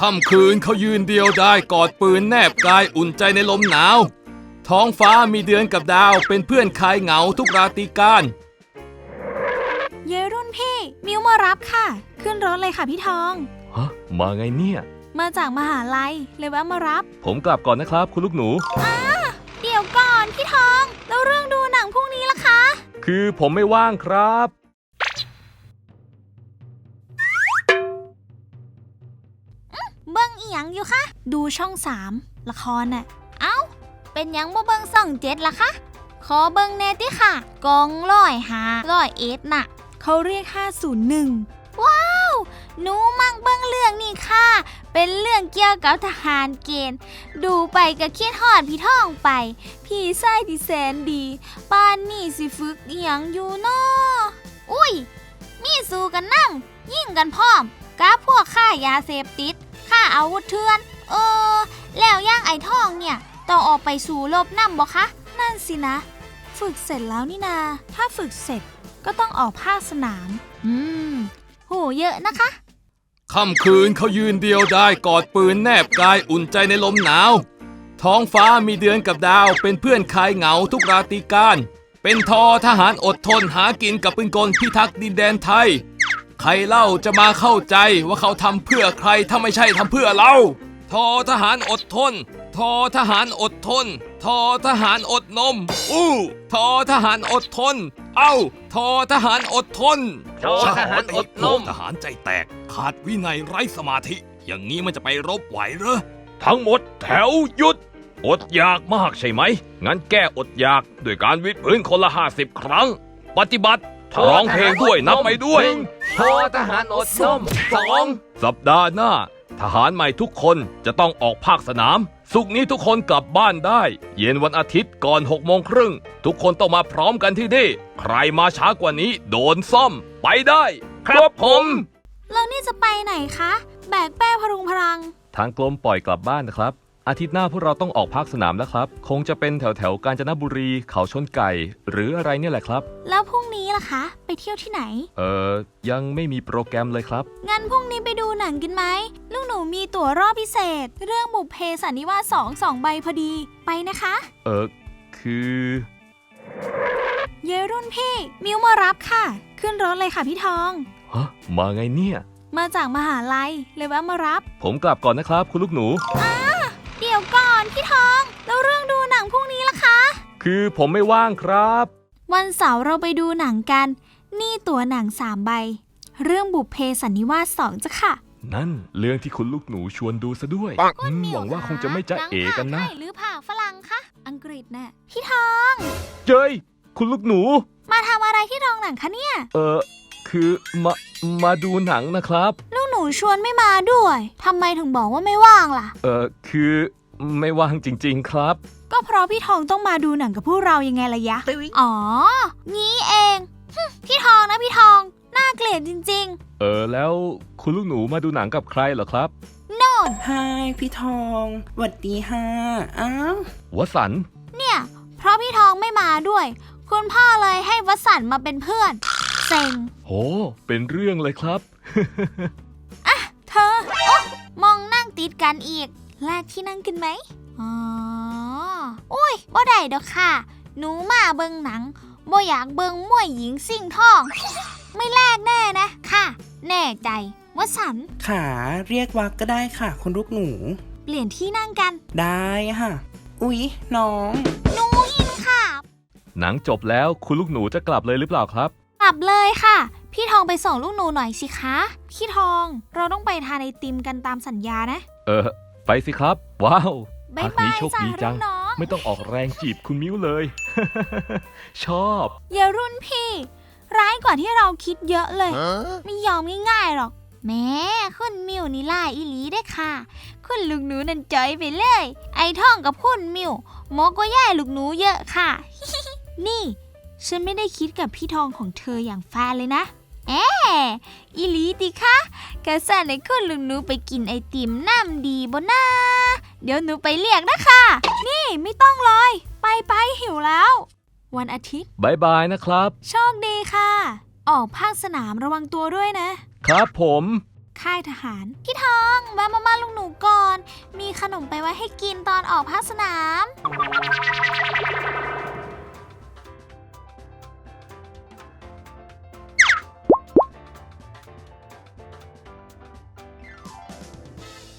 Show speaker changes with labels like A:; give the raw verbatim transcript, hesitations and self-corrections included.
A: ค่ำคืนเขายืนเดียวได้กอดปืนแนบกายอุ่นใจในลมหนาวท้องฟ้ามีเดือนกับดาวเป็นเพื่อนคลายเหงาทุกราตรีการ
B: เยรุ่นพี่มิวมารับค่ะขึ้นรถเลยค่ะพี่ทอง
A: ฮะมาไงเนี่ย
B: มาจากมหาลัยเลยแวะมารับ
A: ผมกลับก่อนนะครับคุณลูกหนู
B: อ้าเดี๋ยวก่อนพี่ทองแล้วเรื่องดูหนังพรุ่งนี้ล่ะคะ
A: คือผมไม่ว่างครับ
B: เบิ้งอีหยังอยู่คะดูช่องสามละครน่ะเอ้าเป็นยังบ่เบิ้งส่องเจ็ดล่ะคะขอเบิ้งแน่ติค่ะกองร้อยหาร้อยเอ็ดน่ะเขาเรียกห้าศูนย์หนึ่งว้าวหนูมักเบิ้งเรื่องนี่ค่ะเป็นเรื่องเกี่ยวกับทหารเกณฑ์ดูไปก็คิดฮอดพี่ท่องไปพี่ชายที่แสนดีป่านนี่สิฝึกอีหยังอยู่น้ออุ้ยมีสู้กันนำยิงกันพร้อมกับพวกค่ายาเสพติดค่าอาวุธเถื่อนเออแล้วย่างไอ้ท่องเนี่ยต้องออกไปสู่รบนำบ่คะนั่นสินะฝึกเสร็จแล้วนี่นาถ้าฝึกเสร็จก็ต้องออกภาคสนามอืมโหเยอะนะคะ
A: ค่ำคืนเขายืนเดียวได้กอดปืนแนบกายอุ่นใจในลมหนาวท้องฟ้ามีเดือนกับดาวเป็นเพื่อนคลายเหงาทุกราตรีการเป็นทอทหารอดทนหากินกับปืนกลพิทักษ์ดินแดนไทยใครเล่าจะมาเข้าใจว่าเขาทำเพื่อใครถ้าไม่ใช่ทำเพื่อเราทอทหารอดทนทอทหารอดทนทอทหารอดนมอู้ทอทหารอดทนเอ้าทอทหารอดทน
C: ทอทหารอดนม
A: ทหารใจแตกขาดวินัยไร้สมาธิอย่างนี้มันจะไปรบไหวเหรอ
C: ทั้งหมดแถวหยุดอดอยากมากใช่ไหมงั้นแก้อดอยากด้วยการวิดพื้นคนละห้าสิบครั้งปฏิบัติร้องเพลงด้วยนับไปด้วย
D: ทอทหารอดนมสอง
C: สัปดาห์หน้าทหารใหม่ทุกคนจะต้องออกภาคสนามศุกร์นี้ทุกคนกลับบ้านได้เย็นวันอาทิตย์ก่อนหกโมงครึ่งทุกคนต้องมาพร้อมกันที่นี่ใครมาช้ากว่านี้โดนซ่อมไปได้ครับผม
B: แล้วนี่จะไปไหนคะแบกแป้พรุงพรัง
A: ทางกรมปล่อยกลับบ้านนะครับอาทิตย์หน้าพวกเราต้องออกภาคสนามแล้วครับคงจะเป็นแถวแถวกาญจนบุรีเขาชนไก่หรืออะไรเนี่ยแหละครับ
B: แล้วพรุ่งนี้ล่ะคะไปเที่ยวที่ไหน
A: เอ่อยังไม่มีโปรแกรมเลยครับ
B: งั้นพรุ่งนี้ไปดูหนังกันไหมลูกหนูมีตั๋วรอบพิเศษเรื่องบุพเพสันนิวาสสองสองใบพอดีไปนะคะ
A: เออคือ
B: เยรุ่นพี่มิวมารับค่ะขึ้นรถเลยค่ะพี่ทอง
A: ฮะมาไงเนี่ย
B: มาจากมหาลัยเลยแวะมารับ
A: ผมกลับก่อนนะครับคุณลูกหนู
B: อ้าเดี๋ยวก่อนพี่ทองแล้วเรื่องดูหนังพรุ่งนี้ล่ะคะ
A: คือผมไม่ว่างครับ
B: วันเสาร์เราไปดูหนังกันนี่ตั๋วหนังสามใบเรื่องบุพเพสันนิวาสสองจ้ะค่ะ
A: นั่นเรื่องที่คุณลูกหนูชวนดูซะด้วยหวังว่าคงจะไม่จะเอกันนะ
B: หรือผ่าฝรั่งคะอังกฤษน่ะพี่ทอง
A: เจ้ยคุณลูกหนู
B: มาทำอะไรที่โรงหนังคะเนี่ย
A: เออคือมามาดูหนังนะครับ
B: ลูกหนูชวนไม่มาด้วยทำไมถึงบอกว่าไม่ว่างล่ะ
A: เออคือไม่ว่างจริงๆครับ
B: ก็เพราะพี่ทองต้องมาดูหนังกับพวกเรายังไงล่ะยะอ๋องี้เองพี่ทองนะพี่ทองน่าเกลียดจริง
A: ๆเออแล้วคุณลูกหนูมาดูหนังกับใครเหรอครับ
B: โน่น
D: ไฮพี่ทองหวัดดีฮะอ้าว
A: วสันต์
B: เนี่ยเพราะพี่ทองไม่มาด้วยคุณพ่อเลยให้วสันต์มาเป็นเพื่อนเซ็ง
A: โหเป็นเรื่องเลยครับ
B: อ่ะเธอโอ๊ะมองนั่งติดกันอีกแลกที่นั่งกันไหมอ๋ออุ้ยบ่ได้ดอกค่ะหนูมาเบิ่งหนังบ่อยากเบิ่งมวยหญิงสิ่งทองไม่แลกแน่นะค่ะแน่ใจว่าสัน
D: ขาเรียกวักก็ได้ค่ะคุณลูกหนู
B: เปลี่ยนที่นั่งกัน
D: ได้ค่ะอุ๊ยน้อง
B: หนูอินค่ะ
A: หนังจบแล้วคุณลูกหนูจะกลับเลยหรือเปล่าครับ
B: กลับเลยค่ะพี่ทองไปส่งลูกหนูหน่อยสิคะพี่ทองเราต้องไปทานไอติมกันตามสัญญานะ
A: เออไปสิครับว้าว
B: พักนี้โชคดีจัง
A: ไม่ต้องออกแรงจีบคุณมิ้วเลย ชอบ
B: อย่ารุ่นพี่ร้ายกว่าที่เราคิดเยอะเลยไม่ยอมง่ายๆหรอกแม่คุณมิวนี่ล่าอีหลีได้ค่ะคุณลูกหนูนั่นจอยไปเลยไอท่องกับคุณมิวหมอก็ย่ายลูกหนูเยอะค่ะ นี่ฉันไม่ได้คิดกับพี่ทองของเธออย่างแฟนเลยนะเอ๊อีหลีดิคะกะสั่นให้คุณลูกหนูไปกินไอติมน้ำดีบ่นะเดี๋ยวหนูไปเรียกนะคะนี่ไม่ต้องเลยไปไปหิวแล้ววันอาทิตย์
A: บายบายนะครับ
B: โชคดีค่ะออกภาคสนามระวังตัวด้วยนะครับ
A: ผม
B: ค่ายทหารพี่ทองมามามาลูกหนูขนมไปไว้ให้กินตอนออกภาคสนาม